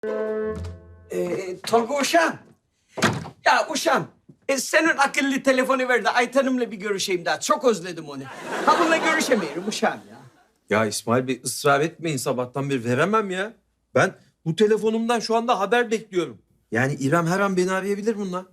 Tolga uşağım. Ya uşağım, senin akıllı telefonu ver de Ayten'imle bir görüşeyim daha. Çok özledim onu. Ha bununla görüşemiyorum uşağım ya. Ya İsmail Bey ısrar etmeyin sabahtan beri veremem ya. Ben bu telefonumdan şu anda haber bekliyorum. Yani İrem her an beni arayabilir bununla.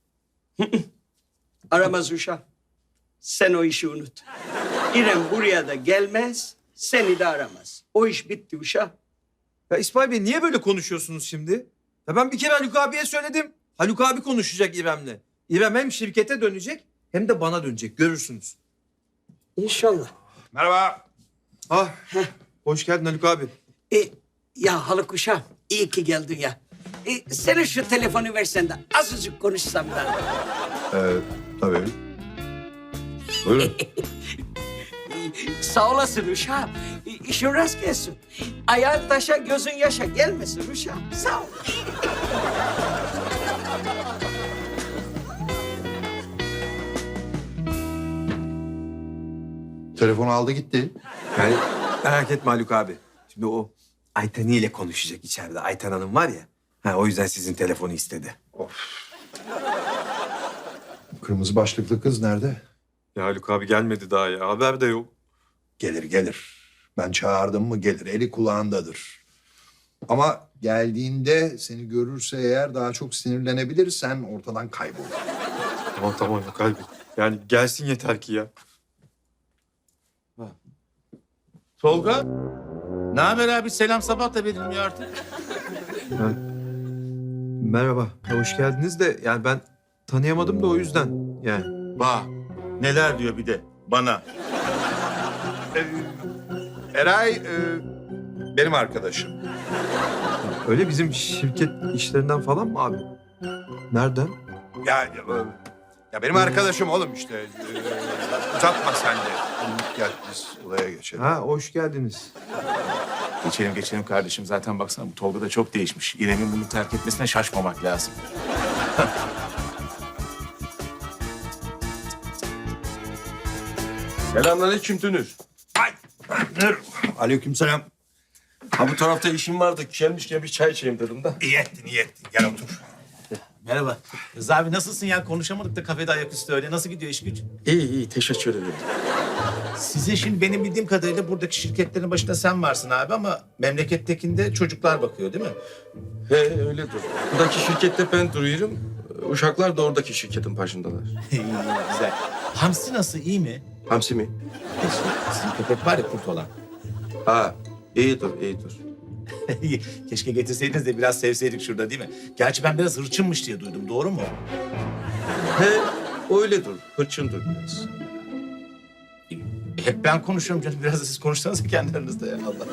Aramaz uşağım. Sen o işi unut. İrem buraya da gelmez, seni de aramaz. O iş bitti uşağım. Ya İsmail Bey niye böyle konuşuyorsunuz şimdi? Ya ben bir kere Haluk abiye söyledim. Haluk abi konuşacak İrem'le. İrem hem şirkete dönecek hem de bana dönecek. Görürsünüz. İnşallah. Merhaba. Ah, hoş geldin Haluk abi. Ya Haluk uşağım, iyi ki geldin ya. Senin şu telefonu versen de azıcık konuşsam da. Tabii. Buyurun. Sağ olasın uşağım. İşin rast gelsin. Ayağın taşa, gözün yaşa gelmesin uşağım. Sağ ol. Telefonu aldı gitti. Yani merak etme Haluk abi. Şimdi o Ayten ile konuşacak içeride. Ayten Hanım var ya. Ha, o yüzden sizin telefonu istedi. Kırmızı başlıklı kız nerede? Ya Haluk abi gelmedi daha ya. Haber de yok. Gelir gelir. Ben çağırdım mı gelir. Eli kulağındadır. Ama geldiğinde seni görürse eğer daha çok sinirlenebilir. Sen ortadan kaybol. Tamam Haluk abi. Yani gelsin yeter ki ya. Tolga, ne haber abi? Selam sabah da verilmiyor artık. Merhaba. Hoş geldiniz de yani ben tanıyamadım da o yüzden yani. Bak, neler diyor bir de bana. Eray benim arkadaşım. Öyle bizim şirket işlerinden falan mı abi? Nereden? Ya benim arkadaşım oğlum işte. Uzatma sen de. Gel biz olaya geçelim. Ha, hoş geldiniz. Geçelim kardeşim. Zaten baksana bu Tolga da çok değişmiş. İrem'in bunu terk etmesine şaşmamak lazım. Selamünaleyküm Dünür. Aleykümselam. Ha bu tarafta işim vardı. Gelmişken bir çay içeyim dedim de. İyi ettin iyi ettin. Gel otur. Merhaba. Rıza abi nasılsın ya? Konuşamadık da kafede ayaküstü öyle. Nasıl gidiyor iş güç? İyi teşekkür ederim. Size şimdi benim bildiğim kadarıyla buradaki şirketlerin başında sen varsın abi ama memlekettekinde çocuklar bakıyor değil mi? He öyledir. Buradaki şirkette ben duruyorum. Uşaklar da oradaki şirketin başındalar. İyi, güzel. Hamsi nasıl? İyi mi? Hamsi mi? Sizin köpek var ya kurt olan. Ha iyidir. Keşke getirseydiniz de biraz sevseydik şurada değil mi? Gerçi ben biraz hırçınmış diye duydum. Doğru mu? He öyledir. Hırçındır biraz. Hep ben konuşuyorum canım. Biraz da siz konuşsanız kendi aranızda ya Allah.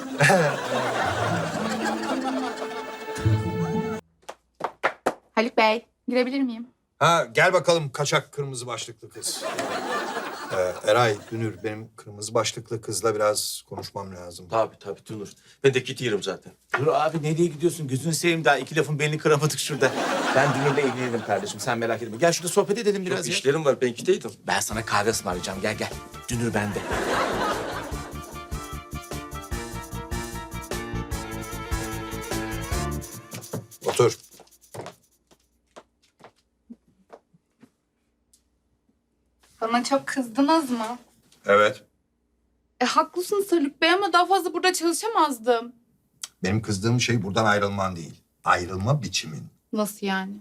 Haluk Bey, girebilir miyim? Ha gel bakalım kaçak kırmızı başlıklı kız. Eray, Dünür benim kırmızı başlıklı kızla biraz konuşmam lazım. Tabii Dünür. Ben de gidiyorum zaten. Dur abi nereye gidiyorsun? Gözünü seveyim daha iki lafın belini kıramadık şurada. Ben Dünür'le ilgilenirim kardeşim. Sen merak etme. Gel şurada sohbet edelim biraz Çok ya. işlerim var ben gideydim. Ben sana kahve ısmarlayacağım. Gel. Dünür bende. Otur. Bana çok kızdınız mı? Evet. Haklısınız Haluk Bey ama daha fazla burada çalışamazdım. Benim kızdığım şey buradan ayrılman değil. Ayrılma biçimin. Nasıl yani?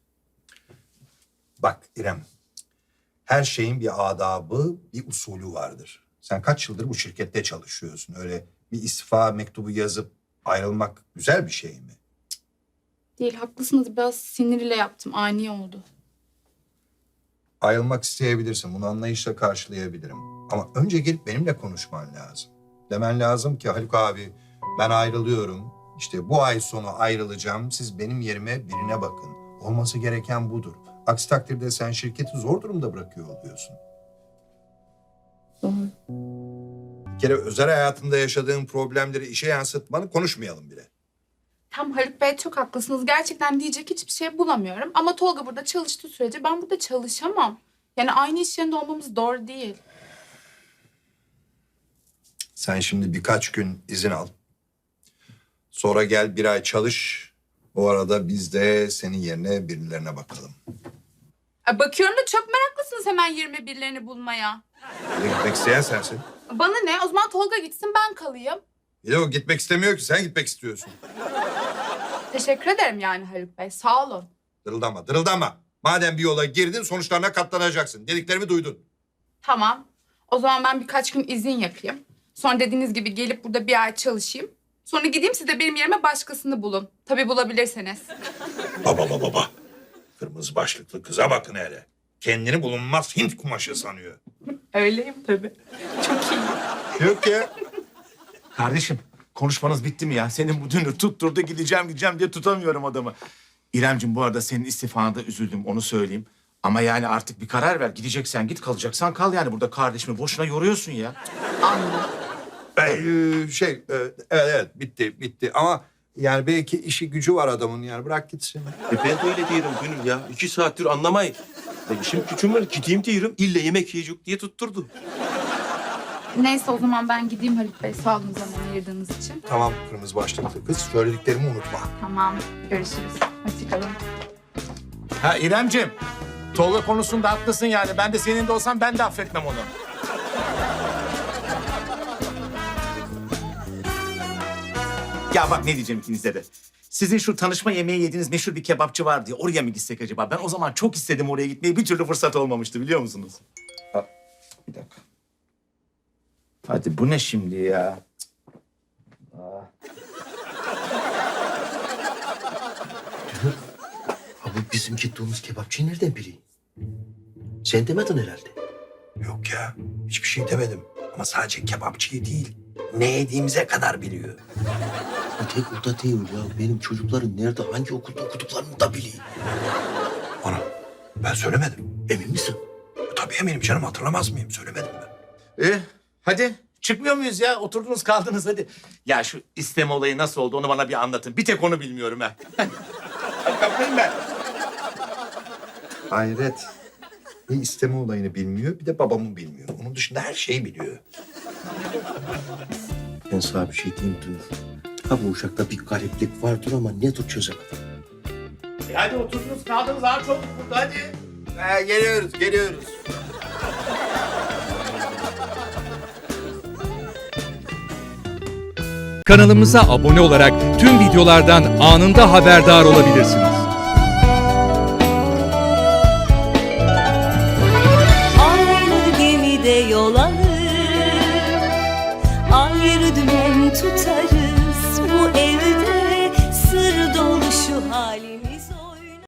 Bak İrem, her şeyin bir adabı, bir usulü vardır. Sen kaç yıldır bu şirkette çalışıyorsun? Öyle bir istifa mektubu yazıp ayrılmak güzel bir şey mi? Değil, haklısınız. Biraz sinirle yaptım. Ani oldu. Ayrılmak isteyebilirsin. Bunu anlayışla karşılayabilirim. Ama önce gelip benimle konuşman lazım. Demen lazım ki Haluk abi ben ayrılıyorum. İşte bu ay sonu ayrılacağım. Siz benim yerime birine bakın. Olması gereken budur. Aksi takdirde sen şirketi zor durumda bırakıyor oluyorsun. Doğru. Bir kere özel hayatında yaşadığın problemleri işe yansıtmanı konuşmayalım bile. Tam Haluk Bey çok haklısınız. Gerçekten diyecek hiçbir şey bulamıyorum. Ama Tolga burada çalıştığı sürece ben burada çalışamam. Yani aynı iş yerinde olmamız doğru değil. Sen şimdi birkaç gün izin al. Sonra gel bir ay çalış. O arada biz de senin yerine birilerine bakalım. Bakıyorum da çok meraklısınız hemen 21'lerini bulmaya. Bir de gitmek isteyen sensin. Bana ne? O zaman Tolga gitsin ben kalayım. Bir de o gitmek istemiyor ki, sen gitmek istiyorsun. Teşekkür ederim yani Haluk Bey. Sağ olun. Dırıldama, dırıldama. Madem bir yola girdin, sonuçlarına katlanacaksın. Dediklerimi duydun. Tamam. O zaman ben birkaç gün izin yapayım. Sonra dediğiniz gibi gelip burada bir ay çalışayım. Sonra gideyim siz de benim yerime başkasını bulun. Tabii bulabilirseniz. Baba. Kırmızı başlıklı kıza bakın hele. Kendini bulunmaz Hint kumaşı sanıyor. Öyleyim tabii. Çok iyi. Yok ya. Kardeşim konuşmanız bitti mi ya? Senin bu dünür tutturdu gideceğim diye tutamıyorum adamı. İremciğim bu arada senin istifana da üzüldüm onu söyleyeyim. Ama yani artık bir karar ver. Gideceksen git, kalacaksan kal yani. Burada kardeşimi boşuna yoruyorsun ya. Anladım. Evet bitti ama yani belki işi gücü var adamın, yani bırak gitsin. Ben de öyle diyorum Gönül ya. 2 saattir anlamayın. İşim gücüm var, gideyim diyorum. İlle yemek yiyecek diye tutturdu. Neyse o zaman ben gideyim Haluk Bey. Sağ olun zaman ayırdığınız için. Tamam kırmızı başlıklı kız, söylediklerimi unutma. Tamam. Görüşürüz. Hoşçakalın. Ha İremciğim, Tolga konusunda haklısın yani. Ben de senin de olsam ben de affetmem onu. Ya bak ne diyeceğim ikinize de. Sizin şu tanışma yemeği yediğiniz meşhur bir kebapçı var diye oraya mı gitsek acaba? Ben o zaman çok istedim oraya gitmeyi. Bir türlü fırsat olmamıştı biliyor musunuz? Bir dakika. Hadi bu ne şimdi ya? Abi bizim gittiğimiz kebapçıyı nereden bileyim? Sen demedin herhalde. Yok ya, hiçbir şey demedim. Ama sadece kebapçıyı değil, ne yediğimize kadar biliyor. O tek orada değil ya. Benim çocukların nerede, hangi okulda okuduklarını da bileyim. Ana, ben söylemedim. Emin misin? Tabii eminim canım, hatırlamaz mıyım? Söylemedim ben. Hadi çıkmıyor muyuz ya? Oturdunuz kaldınız hadi. Ya şu isteme olayı nasıl oldu onu bana bir anlatın. Bir tek onu bilmiyorum ha. Hadi kapayım ben. Hayret. Bir isteme olayını bilmiyor, bir de babamı bilmiyor. Onun dışında her şeyi biliyor. Ben sana bir şey diyeyim dur. Ha bu uşakta bir gariplik vardır ama nedir çözemedim. Hadi oturdunuz kaldınız daha çok burada hadi. Geliyoruz. Kanalımıza abone olarak tüm videolardan anında haberdar olabilirsiniz. Aynı gemide yol alır, ayrı dümen tutarız. Bu evde sır dolu şu halimiz olur.